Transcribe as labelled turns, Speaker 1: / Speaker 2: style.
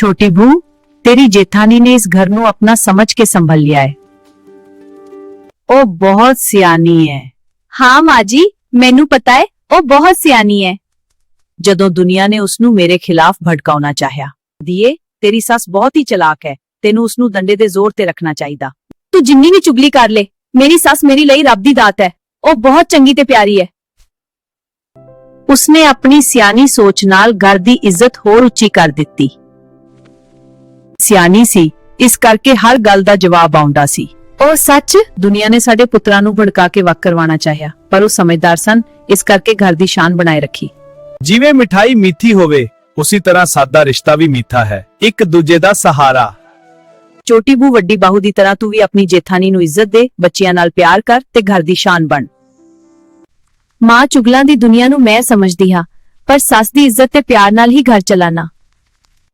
Speaker 1: छोटी बू, तेरी जेठानी ने इस घर ਨੂੰ अपना समझ के संभल लिया है। ਉਹ ਬਹੁਤ ਸਿਆਣੀ ਹੈ।
Speaker 2: हाँ माँ जी, मैनू पता है ਉਹ बहुत सियानी है।
Speaker 1: ਜਦੋਂ ਦੁਨੀਆ ਨੇ ਉਸ ਨੂੰ ਮੇਰੇ ਖਿਲਾਫ ਭੜਕਾਉਣਾ ਚਾਹਿਆ। ਦੀਏ, ਤੇਰੀ ਸੱਸ ਬਹੁਤ ਹੀ ਚਲਾਕ ਹੈ, ਤੈਨੂੰ ਉਸ ਨੂੰ ਡੰਡੇ ਦੇ ਜ਼ੋਰ ਤੇ ਰੱਖਣਾ ਚਾਹੀਦਾ।
Speaker 2: तू जिन्नी भी चुगली कर ले, मेरी सस मेरी ਲਈ ਰੱਬ ਦੀ ਦਾਤ ਹੈ। ਉਹ ਬਹੁਤ ਚੰਗੀ ਤੇ ਪਿਆਰੀ ਹੈ।
Speaker 1: ਉਸਨੇ ਆਪਣੀ ਸਿਆਣੀ ਸੋਚ ਨਾਲ ਘਰ ਦੀ ਇੱਜ਼ਤ ਹੋਰ ਉੱਚੀ ਕਰ ਦਿੱਤੀ। ਸਿਆਣੀ ਸੀ, ਇਸ ਕਰਕੇ ਹਰ ਗੱਲ ਦਾ ਜਵਾਬ ਆਉਂਦਾ ਸੀ। ਉਹ ਸੱਚ, ਦੁਨੀਆ ਨੇ ਸਾਡੇ ਪੁੱਤਰਾਂ ਨੂੰ ਭੜਕਾ ਕੇ ਵੱਖ ਕਰਵਾਉਣਾ ਚਾਹਿਆ, ਪਰ ਉਹ ਸਮਝਦਾਰ ਸਨ, ਇਸ ਕਰਕੇ ਘਰ ਦੀ ਸ਼ਾਨ ਬਣਾਏ ਰੱਖੀ।
Speaker 3: ਜਿਵੇਂ ਮਿਠਾਈ ਮਿੱਠੀ ਹੋਵੇ, ਉਸੇ ਤਰ੍ਹਾਂ ਸਾਦਾ ਰਿਸ਼ਤਾ ਵੀ ਮਿੱਠਾ ਹੈ, ਇੱਕ ਦੂਜੇ ਦਾ ਸਹਾਰਾ।
Speaker 1: ਛੋਟੀ ਬੂ, ਵੱਡੀ ਬਾਹੂ ਦੀ ਤਰ੍ਹਾਂ ਤੂੰ ਵੀ ਆਪਣੀ ਜੇਠਾਨੀ ਨੂੰ ਇੱਜ਼ਤ ਦੇ, ਬੱਚਿਆਂ ਨਾਲ ਪਿਆਰ ਕਰ ਤੇ ਘਰ ਦੀ ਸ਼ਾਨ ਬਣ।
Speaker 2: ਮਾਂ, ਚੁਗਲਾਂ ਦੀ ਦੁਨੀਆ ਨੂੰ ਮੈਂ ਸਮਝਦੀ ਹਾਂ, ਪਰ ਸੱਸ ਦੀ ਇੱਜ਼ਤ ਤੇ ਪਿਆਰ ਨਾਲ ਹੀ ਘਰ ਚਲਾਣਾ।